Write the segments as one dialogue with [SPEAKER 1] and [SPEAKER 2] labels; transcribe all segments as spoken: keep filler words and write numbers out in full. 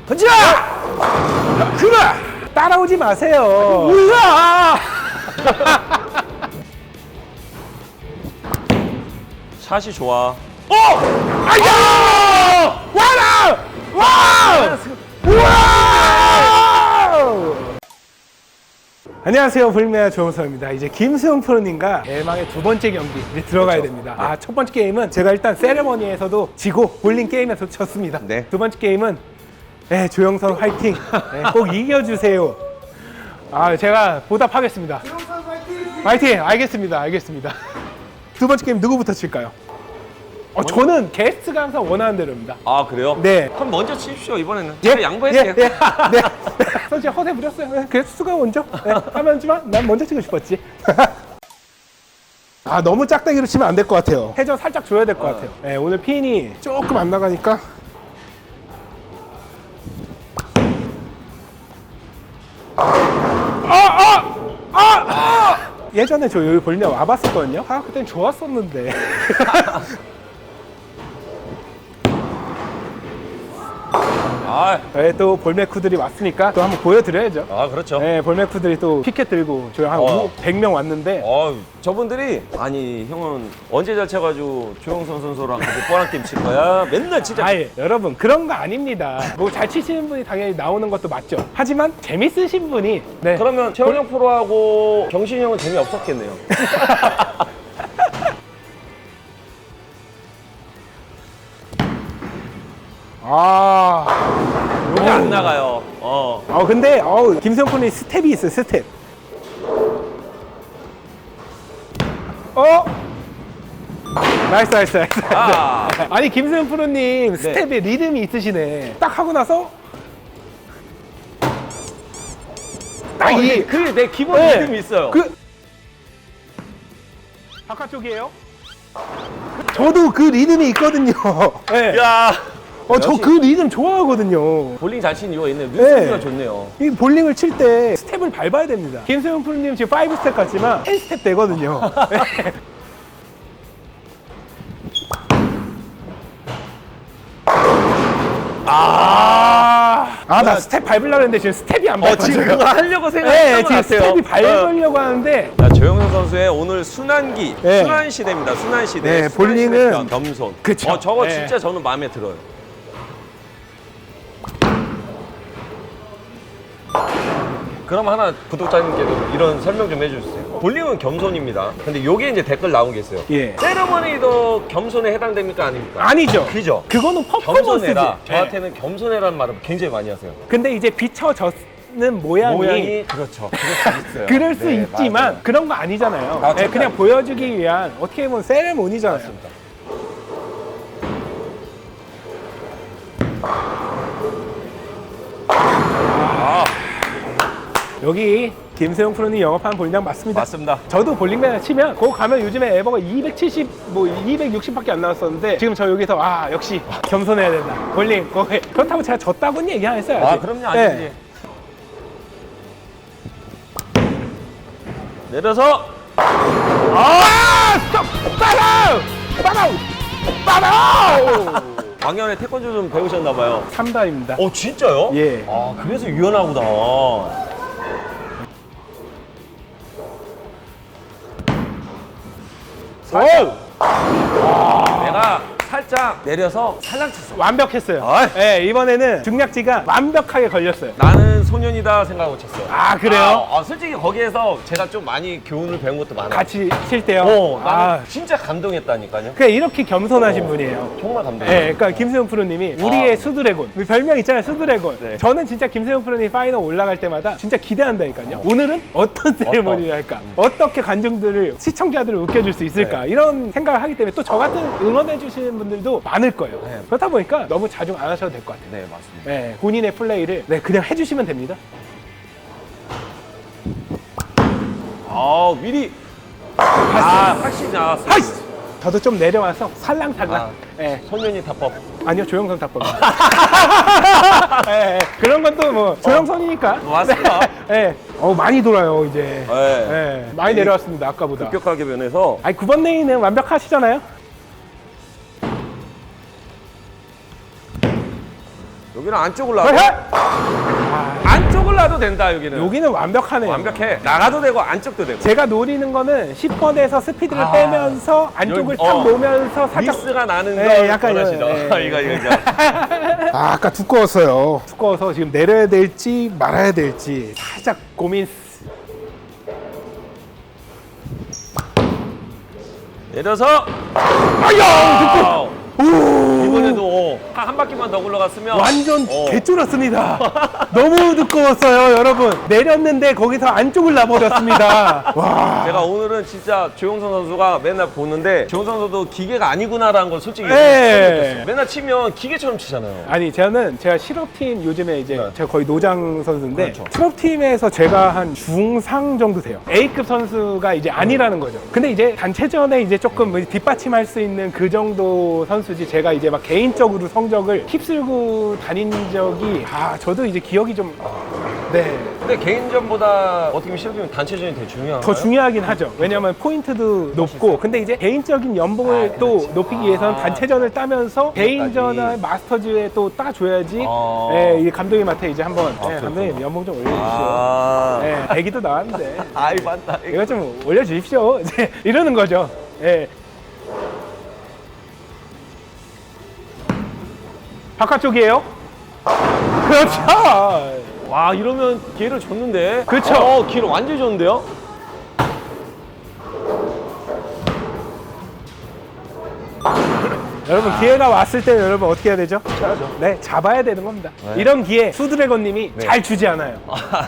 [SPEAKER 1] 던져!
[SPEAKER 2] 그래! 따라오지 마세요.
[SPEAKER 1] 뭐야! 샷이 좋아.
[SPEAKER 2] 어! 아야! 와라! 와! 우와! 안녕하세요. 볼링매니아 조영서입니다. 이제 김수영 프로님과 대망의 두 번째 경기 이제 들어가야
[SPEAKER 1] 그렇죠.
[SPEAKER 2] 됩니다. 아, 첫 번째 게임은 제가 일단 세레머니에서도 지고 볼링 게임에서 졌습니다.
[SPEAKER 1] 네.
[SPEAKER 2] 두 번째 게임은 네, 조영선 화이팅! 네, 꼭 이겨주세요. 아, 제가 보답하겠습니다. 조영선 화이팅! 화이팅! 알겠습니다. 알겠습니다. 두 번째 게임 누구부터 칠까요? 어, 저는 게스트가 항상 원하는 대로입니다.
[SPEAKER 1] 아, 그래요?
[SPEAKER 2] 네.
[SPEAKER 1] 그럼 먼저 치십시오, 이번에는.
[SPEAKER 2] 예?
[SPEAKER 1] 제가 양보할게요.
[SPEAKER 2] 예, 예. 네. 솔직히 허세 부렸어요. 네, 게스트가 먼저 네, 하면지만 난 먼저 치고 싶었지. 아, 너무 짝대기로 치면 안 될 것 같아요. 회전 살짝 줘야 될 것
[SPEAKER 1] 어.
[SPEAKER 2] 같아요. 네, 오늘 핀이 조금 안 나가니까. 아! 아! 아! 아! 예전에 저 여기 볼링 와봤었거든요. 아, 그땐 좋았었는데.
[SPEAKER 1] 아,
[SPEAKER 2] 네, 또 볼메쿠들이 왔으니까 또 한번 보여드려야죠.
[SPEAKER 1] 아 그렇죠.
[SPEAKER 2] 네, 볼메쿠들이 또 피켓 들고 저희 한
[SPEAKER 1] 어.
[SPEAKER 2] 백 명 왔는데
[SPEAKER 1] 어, 저분들이 아니 형은 언제 잘 쳐가지고 조영선 선수랑 같이 뻔한 게임 칠 거야? 맨날 진짜.
[SPEAKER 2] 아예 여러분 그런 거 아닙니다. 뭐 잘 치시는 분이 당연히 나오는 것도 맞죠. 하지만 재밌으신 분이 네.
[SPEAKER 1] 그러면 최원영 프로하고 경신이 형은 재미 없었겠네요.
[SPEAKER 2] 아,
[SPEAKER 1] 이게 안 나가요. 어.
[SPEAKER 2] 어 근데 어 김수영 프로님 스텝이 있어요. 스텝. 어? 나이스 나이스 나이스.
[SPEAKER 1] 아.
[SPEAKER 2] 아니 김수영 프로님 스텝에 리듬이 있으시네. 딱 하고 나서 딱
[SPEAKER 1] 어,
[SPEAKER 2] 이
[SPEAKER 1] 그 내 기본
[SPEAKER 2] 네.
[SPEAKER 1] 리듬이 있어요.
[SPEAKER 2] 그 바깥쪽이에요? 저도 그 리듬이 있거든요. 네.
[SPEAKER 1] 야.
[SPEAKER 2] 어, 저
[SPEAKER 1] 역시
[SPEAKER 2] 그 리듬 좋아하거든요.
[SPEAKER 1] 볼링 잘 치는 이유가 있네요. 눈썹이가 좋네요.
[SPEAKER 2] 이 볼링을 칠 때 스텝을 밟아야 됩니다. 김수영 프로님 지금 오 스텝 같지만 십 스텝 되거든요. 네. 아, 아, 나 스텝 밟으려고 했는데 지금 스텝이 안
[SPEAKER 1] 어,
[SPEAKER 2] 밟혀져요.
[SPEAKER 1] 지금 그거 하려고
[SPEAKER 2] 네,
[SPEAKER 1] 생각했던 것
[SPEAKER 2] 지금
[SPEAKER 1] 같아요.
[SPEAKER 2] 스텝이 밟으려고 하는데
[SPEAKER 1] 자, 조영선 선수의 오늘 순환기,
[SPEAKER 2] 네.
[SPEAKER 1] 순환 시대입니다. 순환 시대.
[SPEAKER 2] 네,
[SPEAKER 1] 순환
[SPEAKER 2] 볼링은-
[SPEAKER 1] 시대 겸- 겸손.
[SPEAKER 2] 그쵸.
[SPEAKER 1] 어, 저거
[SPEAKER 2] 네.
[SPEAKER 1] 진짜 저는 마음에 들어요. 그럼 하나 구독자님께도 이런 설명 좀 해주세요. 볼링은 겸손입니다. 근데 요게 이제 댓글 나온 게 있어요.
[SPEAKER 2] 예.
[SPEAKER 1] 세레머니도 겸손에 해당됩니까 아닙니까?
[SPEAKER 2] 아니죠.
[SPEAKER 1] 그죠?
[SPEAKER 2] 그거는 퍼포먼스지.
[SPEAKER 1] 겸손해라.
[SPEAKER 2] 네.
[SPEAKER 1] 저한테는 겸손해라는 말을 굉장히 많이 하세요.
[SPEAKER 2] 근데 이제 비춰졌는 모양이,
[SPEAKER 1] 모양이 그렇죠. 그럴 수 있어요.
[SPEAKER 2] 그럴 수
[SPEAKER 1] 네,
[SPEAKER 2] 있지만
[SPEAKER 1] 맞아요.
[SPEAKER 2] 그런 거 아니잖아요.
[SPEAKER 1] 아,
[SPEAKER 2] 네,
[SPEAKER 1] 절대
[SPEAKER 2] 그냥
[SPEAKER 1] 아니죠.
[SPEAKER 2] 보여주기 위한 어떻게 보면 세레모니잖아요.
[SPEAKER 1] 맞습니다.
[SPEAKER 2] 여기 김세용 프로님 영업하는 볼링장 맞습니다.
[SPEAKER 1] 맞습니다.
[SPEAKER 2] 저도 볼링맨 치면 거기 가면 요즘에 에버가 이백칠십, 뭐 이백육십밖에 안 나왔었는데 지금 저 여기서 아 역시 겸손해야 된다. 볼링 거기 그렇다고 제가 졌다고는 얘기 안 했어요.
[SPEAKER 1] 아,
[SPEAKER 2] 아직.
[SPEAKER 1] 그럼요.
[SPEAKER 2] 네.
[SPEAKER 1] 아니지. 내려서
[SPEAKER 2] 아 스톱! 빠라우! 빠라우! 빠라우!
[SPEAKER 1] 작년에 태권도 좀 배우셨나 봐요.
[SPEAKER 2] 삼단입니다.
[SPEAKER 1] 어, 진짜요?
[SPEAKER 2] 예.
[SPEAKER 1] 아, 그래서 유연하구나. 살짝. 내가 살짝 내려서 살랑 쳤어.
[SPEAKER 2] 완벽했어요.
[SPEAKER 1] 아이.
[SPEAKER 2] 네, 이번에는 중략지가 완벽하게 걸렸어요.
[SPEAKER 1] 나는 소년이다 생각하고 쳤어요.
[SPEAKER 2] 아, 그래요?
[SPEAKER 1] 아, 아, 솔직히 거기에서 제가 좀 많이 교훈을 배운 것도 많아요.
[SPEAKER 2] 같이 칠 때요.
[SPEAKER 1] 어, 나는
[SPEAKER 2] 아,
[SPEAKER 1] 진짜 감동했다니까요.
[SPEAKER 2] 그냥 이렇게 겸손하신
[SPEAKER 1] 어.
[SPEAKER 2] 분이에요.
[SPEAKER 1] 정말 감동했어요.
[SPEAKER 2] 네, 그러니까 김세용 프로님이 우리의
[SPEAKER 1] 아.
[SPEAKER 2] 수드래곤 우리 별명 있잖아요, 수드래곤.
[SPEAKER 1] 네.
[SPEAKER 2] 저는 진짜 김세용 프로님 파이널 올라갈 때마다 진짜 기대한다니까요. 오늘은 어떤 세레머니를 할까? 어떻게 관중들을 시청자들을 웃겨줄 수 있을까?
[SPEAKER 1] 네.
[SPEAKER 2] 이런 생각을 하기 때문에 또 저 같은 응원해 주시는 분들도 많을 거예요.
[SPEAKER 1] 네.
[SPEAKER 2] 그렇다 보니까 너무 자중 안 하셔도 될 것 같아요.
[SPEAKER 1] 네, 맞습니다.
[SPEAKER 2] 네, 본인의 플레이를 네, 그냥 해주시면 됩니다.
[SPEAKER 1] 아, 미리 아, 확실히 나왔어.
[SPEAKER 2] 하이스! 저도 좀 내려와서 살랑살랑.
[SPEAKER 1] 아.
[SPEAKER 2] 네.
[SPEAKER 1] 소년이 답법.
[SPEAKER 2] 아니요, 조영선 답법. 네, 그런 건 또 뭐 조영선이니까.
[SPEAKER 1] 맞습니다.
[SPEAKER 2] 네. 어, 많이 돌아요 이제.
[SPEAKER 1] 네.
[SPEAKER 2] 네, 많이 내려왔습니다 아까보다.
[SPEAKER 1] 급격하게 변해서
[SPEAKER 2] 아니 구 번 레인은 완벽하시잖아요.
[SPEAKER 1] 여기는 안쪽을 놔도
[SPEAKER 2] 어헤!
[SPEAKER 1] 안쪽을 놔도 된다 여기는.
[SPEAKER 2] 여기는 완벽하네요.
[SPEAKER 1] 완벽해. 나가도 되고 안쪽도 되고.
[SPEAKER 2] 제가 노리는 거는 십 번에서 스피드를
[SPEAKER 1] 아,
[SPEAKER 2] 빼면서 안쪽을
[SPEAKER 1] 여기,
[SPEAKER 2] 탁
[SPEAKER 1] 어.
[SPEAKER 2] 놓으면서 살짝
[SPEAKER 1] 미스가 나는
[SPEAKER 2] 네,
[SPEAKER 1] 걸
[SPEAKER 2] 약간
[SPEAKER 1] 원하시죠?
[SPEAKER 2] 예, 예.
[SPEAKER 1] 이거 이거 이거.
[SPEAKER 2] 아, 아까 두꺼웠어요. 두꺼워서 지금 내려야 될지 말아야 될지 살짝 고민.
[SPEAKER 1] 내려서
[SPEAKER 2] 아야!
[SPEAKER 1] 오!
[SPEAKER 2] 오!
[SPEAKER 1] 이번에도 한, 한 바퀴만 더 굴러갔으면
[SPEAKER 2] 완전
[SPEAKER 1] 어.
[SPEAKER 2] 개쫄았습니다. 너무 두꺼웠어요, 여러분. 내렸는데 거기서 안쪽을 놔버렸습니다. 와.
[SPEAKER 1] 제가 오늘은 진짜 조용선 선수가 맨날 보는데 조용선 선수도 기계가 아니구나라는 걸 솔직히
[SPEAKER 2] 네.
[SPEAKER 1] 느꼈어요. 맨날 치면 기계처럼 치잖아요.
[SPEAKER 2] 아니 저는 제가 실업팀 요즘에 이제
[SPEAKER 1] 네.
[SPEAKER 2] 제가 거의 노장 선수인데
[SPEAKER 1] 그렇죠.
[SPEAKER 2] 실업팀에서 제가 한 중상 정도 돼요. A급 선수가 이제 아니라는 거죠. 근데 이제 단체전에 이제 조금 뒷받침할 수 있는 그 정도 선수지 제가 이제 막 개인적으로 성적을 휩쓸고 다닌 적이 아 저도 이제 기억이 좀 네.
[SPEAKER 1] 근데 개인전보다 어떻게 보면 실업이면 단체전이 되게 중요한가요?
[SPEAKER 2] 더 중요하긴 하죠. 왜냐하면 포인트도 높고, 근데 이제 개인적인 연봉을
[SPEAKER 1] 아,
[SPEAKER 2] 또
[SPEAKER 1] 그렇지.
[SPEAKER 2] 높이기 위해서는
[SPEAKER 1] 아.
[SPEAKER 2] 단체전을 따면서 개인전을 마스터즈에 또 따줘야지.
[SPEAKER 1] 아.
[SPEAKER 2] 예, 이 감독님한테 이제 한번
[SPEAKER 1] 아,
[SPEAKER 2] 예,
[SPEAKER 1] 그렇구나.
[SPEAKER 2] 감독님 연봉 좀 올려주십시오.
[SPEAKER 1] 아,
[SPEAKER 2] 예, 애기도 나왔는데
[SPEAKER 1] 아이 맞다.
[SPEAKER 2] 이거 좀 올려주십시오. 이제 이러는 거죠. 예. 바깥쪽이에요? 그렇죠.
[SPEAKER 1] 와 이러면 기회를 줬는데.
[SPEAKER 2] 그쵸.
[SPEAKER 1] 어, 기회를 완전히 줬는데요.
[SPEAKER 2] 여러분 기회가 왔을 때 여러분 어떻게 해야 되죠?
[SPEAKER 1] 쳐야죠.
[SPEAKER 2] 네, 잡아야 되는 겁니다.
[SPEAKER 1] 네.
[SPEAKER 2] 이런 기회 수드래곤님이
[SPEAKER 1] 네.
[SPEAKER 2] 잘 주지 않아요.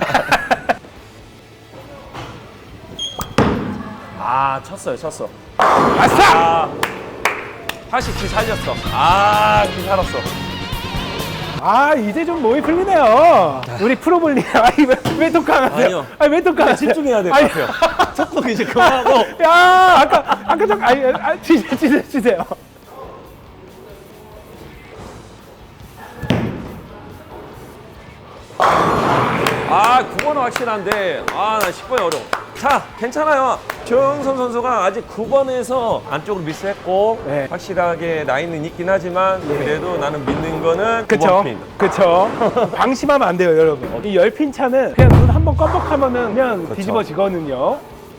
[SPEAKER 1] 아 쳤어요 쳤어.
[SPEAKER 2] 아싸!
[SPEAKER 1] 아 다시 기 살렸어. 아기 살았어.
[SPEAKER 2] 아 이제 좀 몸이 풀리네요. 우리 프로볼님, 아니 왜, 왜 독강하세요?
[SPEAKER 1] 아니요.
[SPEAKER 2] 아니 왜 독강하세요?
[SPEAKER 1] 집중해야 될 것
[SPEAKER 2] 아니,
[SPEAKER 1] 같아요. 속도 이제 그만하고.
[SPEAKER 2] 야 아까 아까 좀 아니 아, 치세요 치세요 치세요.
[SPEAKER 1] 아 구 번은 확실한데 아 나 십 번이 어려워. 자 괜찮아요. 조영선 선수가 아직 구 번에서 안쪽으로 미스했고
[SPEAKER 2] 네.
[SPEAKER 1] 확실하게 나이는 있긴 하지만 그래도 나는 믿는 거는 구
[SPEAKER 2] 그쵸?
[SPEAKER 1] 번 핀.
[SPEAKER 2] 그쵸? 방심하면 안 돼요, 여러분. 이 열 핀 차는 그냥 눈 한 번 껌뻑하면은 그냥
[SPEAKER 1] 그쵸.
[SPEAKER 2] 뒤집어지거든요.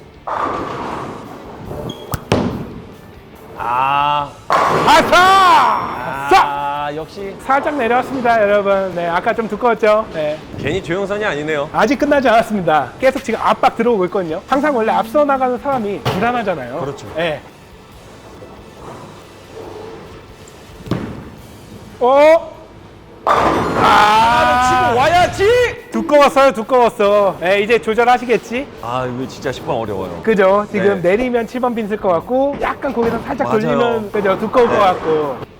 [SPEAKER 1] 아,
[SPEAKER 2] 아싸! 싹!
[SPEAKER 1] 아 역시
[SPEAKER 2] 살짝 내려왔습니다, 여러분. 네, 아까 좀 두꺼웠죠? 네.
[SPEAKER 1] 괜히 조영선이 아니네요.
[SPEAKER 2] 아직 끝나지 않았습니다. 계속 지금 압박 들어오고 있거든요. 항상 원래 앞서 나가는 사람이 불안하잖아요.
[SPEAKER 1] 그렇죠.
[SPEAKER 2] 네. 어?
[SPEAKER 1] 아, 치고 와야지.
[SPEAKER 2] 두꺼웠어요, 두꺼웠어. 네, 이제 조절하시겠지?
[SPEAKER 1] 아 이거 진짜 십 번 어려워요.
[SPEAKER 2] 그죠? 지금
[SPEAKER 1] 네.
[SPEAKER 2] 내리면 칠 번 빈 쓸 것 같고, 약간 거기서 살짝
[SPEAKER 1] 맞아요.
[SPEAKER 2] 돌리면, 그죠? 두꺼울
[SPEAKER 1] 네.
[SPEAKER 2] 것 같고.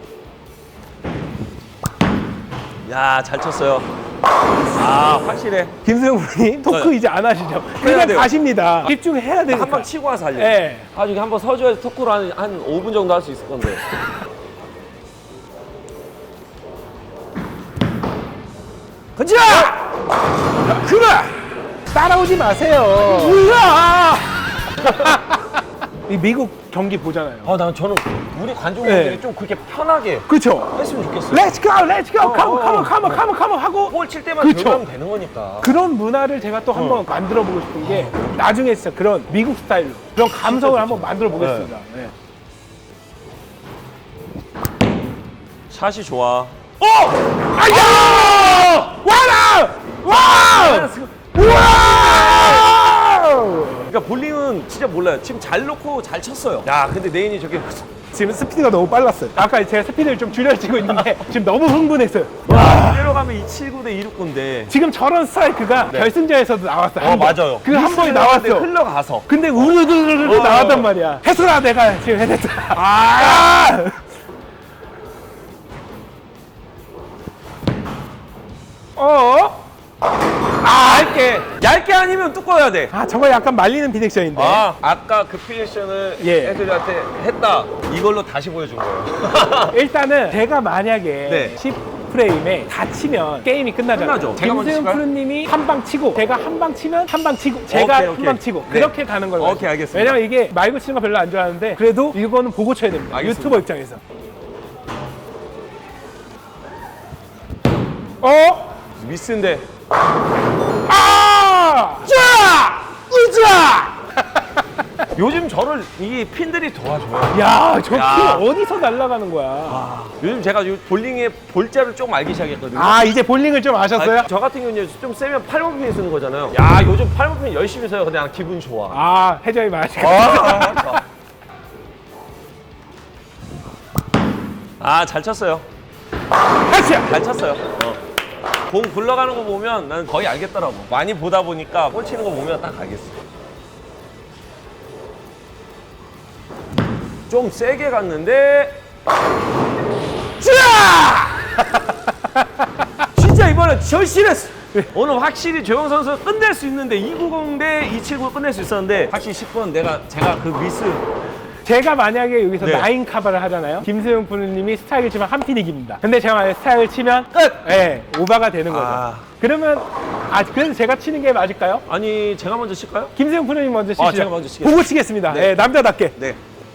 [SPEAKER 1] 야 잘 쳤어요. 아 확실해.
[SPEAKER 2] 김수영 부님 토크
[SPEAKER 1] 네.
[SPEAKER 2] 이제 안 하시죠?
[SPEAKER 1] 해야
[SPEAKER 2] 그냥
[SPEAKER 1] 돼요.
[SPEAKER 2] 가십니다. 집중해야 되니까.
[SPEAKER 1] 한 방 치고 와서 살려.
[SPEAKER 2] 네.
[SPEAKER 1] 나중에 한번 서줘야지 토크로 한, 한 오 분 정도 할 수 있을 건데.
[SPEAKER 2] 그죠? 그래! 따라오지 마세요. 뭐야! 이 미국 경기 보잖아요.
[SPEAKER 1] 아, 난 저는 우리 관중분들이
[SPEAKER 2] 네.
[SPEAKER 1] 좀 그렇게 편하게
[SPEAKER 2] 그쵸?
[SPEAKER 1] 했으면 좋겠어요.
[SPEAKER 2] 렛츠 고! 렛츠 고!
[SPEAKER 1] 어,
[SPEAKER 2] 카모
[SPEAKER 1] 어,
[SPEAKER 2] 카모
[SPEAKER 1] 어.
[SPEAKER 2] 카모 카모 카모 하고
[SPEAKER 1] 볼 칠 때만
[SPEAKER 2] 그쵸.
[SPEAKER 1] 들어가면 되는 거니까.
[SPEAKER 2] 그런 문화를 제가 또 한번
[SPEAKER 1] 어.
[SPEAKER 2] 만들어 보고 싶은 게 나중에 진짜 그런 미국 스타일로 그런 감성을 한번 만들어 보겠습니다. 네.
[SPEAKER 1] 샷이 좋아.
[SPEAKER 2] 어! 아야! 와라! 와! 우와!
[SPEAKER 1] 그러니까 볼링은 진짜 몰라요. 지금 잘 놓고 잘 쳤어요. 야, 근데 네인이 저게
[SPEAKER 2] 지금 스피드가 너무 빨랐어요. 아까 제가 스피드를 좀 줄여지고 있는데 지금 너무 흥분했어요.
[SPEAKER 1] 와, 이대로 가면 이백칠십구 대 이백육구인데.
[SPEAKER 2] 지금 저런 스트라이크가
[SPEAKER 1] 네.
[SPEAKER 2] 결승전에서도 나왔어요.
[SPEAKER 1] 어,
[SPEAKER 2] 한 번.
[SPEAKER 1] 맞아요.
[SPEAKER 2] 그 한 번이
[SPEAKER 1] 미스를
[SPEAKER 2] 나왔어.
[SPEAKER 1] 하는데 흘러가서.
[SPEAKER 2] 근데 우르르르르
[SPEAKER 1] 어.
[SPEAKER 2] 나왔단 말이야. 해수라 내가 지금 해냈다. 아! 어?
[SPEAKER 1] 아, 얇게. 얇게 아니면 두꺼워야 돼.
[SPEAKER 2] 아, 저거 약간 말리는 디렉션인데.
[SPEAKER 1] 아, 아까 그 피니션을
[SPEAKER 2] 예.
[SPEAKER 1] 애들한테 했다. 이걸로 다시 보여준 거예요.
[SPEAKER 2] 일단은 제가 만약에
[SPEAKER 1] 네.
[SPEAKER 2] 십 프레임에 다치면 게임이 끝나잖아요.
[SPEAKER 1] 끝나죠. 제가 먼저
[SPEAKER 2] 김수영
[SPEAKER 1] 칠까요?
[SPEAKER 2] 프로님이 한 방 치고 제가 한 방 치면 한 방 치고 제가
[SPEAKER 1] 오케이,
[SPEAKER 2] 한
[SPEAKER 1] 오케이.
[SPEAKER 2] 방 치고
[SPEAKER 1] 네.
[SPEAKER 2] 그렇게 가는 걸로.
[SPEAKER 1] 오케이, 알겠습니다.
[SPEAKER 2] 왜냐면 이게 말고 치는 거 별로 안 좋아하는데 그래도 이거는 보고 쳐야 됩니다.
[SPEAKER 1] 알겠습니다.
[SPEAKER 2] 유튜버 입장에서. 어?
[SPEAKER 1] 미스인데.
[SPEAKER 2] 아! 자! 으자!
[SPEAKER 1] 요즘 저를 이 핀들이 도와줘요.
[SPEAKER 2] 야, 저 핀
[SPEAKER 1] 야.
[SPEAKER 2] 어디서 날아가는 거야?
[SPEAKER 1] 아, 요즘 제가 요 볼링의 볼자를 조금 알기 시작했거든요.
[SPEAKER 2] 아, 이제 볼링을 좀 아셨어요?
[SPEAKER 1] 아, 저 같은 경우는 좀 세면 팔 번 핀 쓰는 거잖아요. 야, 요즘 팔 번 핀 열심히 써요. 근데 난 기분 좋아.
[SPEAKER 2] 아, 해저이 마시고.
[SPEAKER 1] 아, 잘 쳤어요.
[SPEAKER 2] 하시야!
[SPEAKER 1] 잘 쳤어요. 어. 공 굴러가는 거 보면 난 거의 알겠더라고. 많이 보다 보니까 볼 치는 거 보면 딱 알겠어. 좀 세게 갔는데. 자! 진짜 이번에 절실했어. 오늘 확실히 조영 선수 끝낼 수 있는데 이백구십 대 이백칠십구 끝낼 수 있었는데 확실히 십 번 내가 제가 그 미스.
[SPEAKER 2] 제가 만약에 여기서
[SPEAKER 1] 네.
[SPEAKER 2] 나인 카바를 하잖아요. 김수영 프로님이 스트라이크를 치면 한 핀 이깁니다. 근데 제가 만약에 스트라이크를 치면 끝! 예, 오버가 되는 거죠.
[SPEAKER 1] 아.
[SPEAKER 2] 그러면, 아, 그래서 제가 치는 게 맞을까요?
[SPEAKER 1] 아니 제가 먼저 칠까요?
[SPEAKER 2] 김수영 프로님 먼저 치시죠.
[SPEAKER 1] 아, 제가 먼저 치겠습니다.
[SPEAKER 2] 보고 치겠습니다.
[SPEAKER 1] 네.
[SPEAKER 2] 예, 남자답게.
[SPEAKER 1] 네.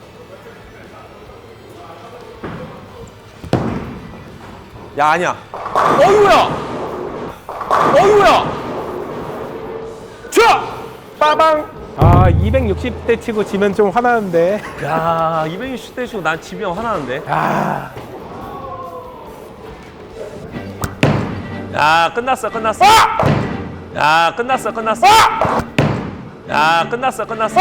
[SPEAKER 1] 야 아니야. 어이구야. 어이구야. 자.
[SPEAKER 2] 빠방! 아, 이백육십 대 치고 지면 좀 화나는데.
[SPEAKER 1] 야 이백육십 대 치고 난 지면 화나는데.
[SPEAKER 2] 아,
[SPEAKER 1] 야 끝났어 끝났어. 야 끝났어 끝났어. 야 끝났어 끝났어.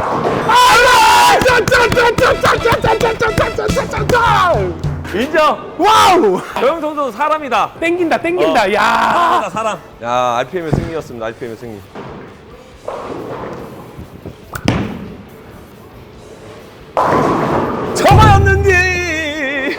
[SPEAKER 1] 인정.
[SPEAKER 2] 와우!
[SPEAKER 1] 조영 선수 사람이다.
[SPEAKER 2] 땡긴다, 땡긴다.
[SPEAKER 1] 어.
[SPEAKER 2] 야!
[SPEAKER 1] 사람이다 사람. 야 알피엠의 승리였습니다. 알피엠의 승리. 저거였는데.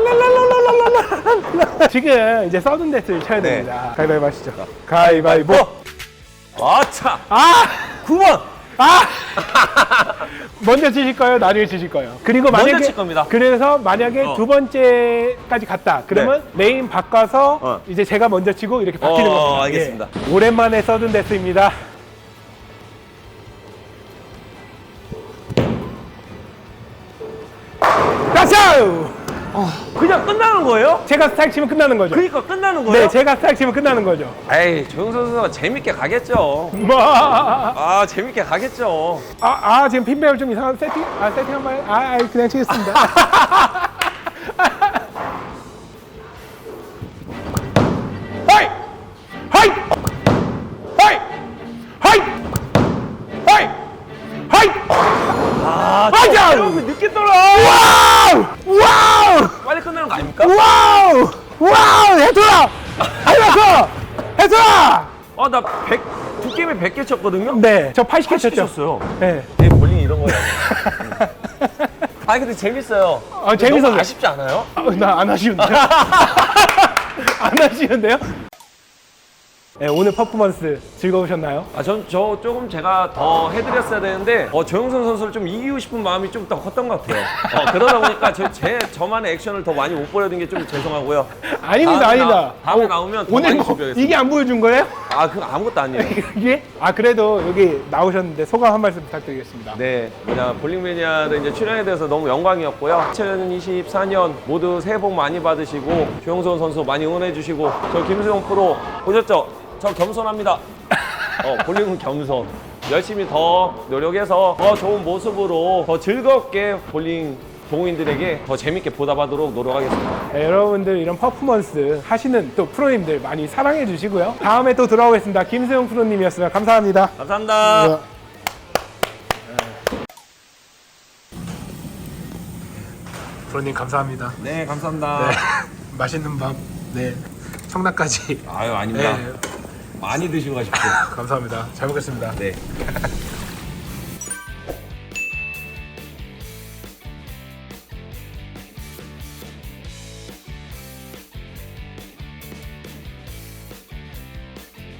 [SPEAKER 2] 지금 이제 서든데스를 쳐야
[SPEAKER 1] 네.
[SPEAKER 2] 됩니다. 가위바위보 하시죠. 가위바위보.
[SPEAKER 1] 아차.
[SPEAKER 2] 아!
[SPEAKER 1] 구 번.
[SPEAKER 2] 아! 먼저 치실 거예요? 나중에 치실 거예요? 그리고
[SPEAKER 1] 먼저
[SPEAKER 2] 만약에
[SPEAKER 1] 칠 겁니다.
[SPEAKER 2] 그래서 만약에
[SPEAKER 1] 어.
[SPEAKER 2] 두 번째까지 갔다. 그러면 레인 바꿔서
[SPEAKER 1] 어.
[SPEAKER 2] 이제 제가 먼저 치고 이렇게 바뀌는
[SPEAKER 1] 어,
[SPEAKER 2] 겁니다.
[SPEAKER 1] 알겠습니다.
[SPEAKER 2] 예. 오랜만에 서든데스입니다. 가쇼!
[SPEAKER 1] 그냥 끝나는 거예요?
[SPEAKER 2] 제가 스트라이크 치면 끝나는 거죠.
[SPEAKER 1] 그러니까 끝나는 거예요?
[SPEAKER 2] 네, 제가 스트라이크 치면 끝나는 거죠.
[SPEAKER 1] 에이 조영 선수가 재밌게 가겠죠.
[SPEAKER 2] 뭐? 아,
[SPEAKER 1] 아 재밌게 가겠죠.
[SPEAKER 2] 아, 지금 핀배열 좀 이상한 세팅? 아, 세팅 한 번. 아, 아, 그냥 치겠습니다. 하이! 하이! 하이! 하이! 하이! 하이!
[SPEAKER 1] 아
[SPEAKER 2] 맞아!
[SPEAKER 1] 조영 늦게 떨어.
[SPEAKER 2] 와우! 와우!
[SPEAKER 1] 빨리 끝내는 거 아닙니까?
[SPEAKER 2] 와우! 와우! 해줘라! 해줘라! 해줘라!
[SPEAKER 1] 아나 백 두 게임에 백 개 쳤거든요.
[SPEAKER 2] 네, 저 팔십 개
[SPEAKER 1] 팔십 개
[SPEAKER 2] 쳤죠.
[SPEAKER 1] 쳤어요.
[SPEAKER 2] 네.
[SPEAKER 1] 내 볼링 이런 거예요. 아니 근데 재밌어요.
[SPEAKER 2] 아, 재밌어서.
[SPEAKER 1] 너무 아쉽지 않아요?
[SPEAKER 2] 아, 나 안 하시는데요? 안 하시는데요? 네, 오늘 퍼포먼스 즐거우셨나요?
[SPEAKER 1] 아, 전 저 조금 제가 더 해드렸어야 되는데 어, 조영선 선수를 좀 이기고 싶은 마음이 좀 더 컸던 것 같아요. 어, 그러다 보니까 저, 제 저만의 액션을 더 많이 못 보여드린 게 좀 죄송하고요.
[SPEAKER 2] 아닙니다,
[SPEAKER 1] 다음에
[SPEAKER 2] 아니다.
[SPEAKER 1] 나- 다음에
[SPEAKER 2] 어,
[SPEAKER 1] 나오면 더
[SPEAKER 2] 오늘
[SPEAKER 1] 많이
[SPEAKER 2] 뭐
[SPEAKER 1] 준비하겠습니다.
[SPEAKER 2] 이게 안 보여준 거예요?
[SPEAKER 1] 아, 그거 아무것도 아니에요.
[SPEAKER 2] 이게? 아, 그래도 여기 나오셨는데 소감 한 말씀 부탁드리겠습니다.
[SPEAKER 1] 네, 뭐냐 볼링 매니아를 이제 출연에 대해서 너무 영광이었고요. 이천이십사 년 모두 새해 복 많이 받으시고 조영선 선수 많이 응원해 주시고 저 김수영 프로 보셨죠? 저 겸손합니다. 어, 볼링은 겸손. 열심히 더 노력해서 더 좋은 모습으로 더 즐겁게 볼링 동호인들에게 더 재밌게 보답하도록 노력하겠습니다.
[SPEAKER 2] 네, 여러분들 이런 퍼포먼스 하시는 또 프로님들 많이 사랑해 주시고요. 다음에 또 돌아오겠습니다. 김수영 프로님이었습니다. 감사합니다.
[SPEAKER 1] 감사합니다.
[SPEAKER 2] 프로님 감사합니다.
[SPEAKER 1] 네, 감사합니다.
[SPEAKER 2] 맛있는 밤. 네. 청라까지.
[SPEAKER 1] 아유, 아닙니다.
[SPEAKER 2] 네.
[SPEAKER 1] 많이 드시고 가십시오.
[SPEAKER 2] 감사합니다. 잘 먹겠습니다.
[SPEAKER 1] 네.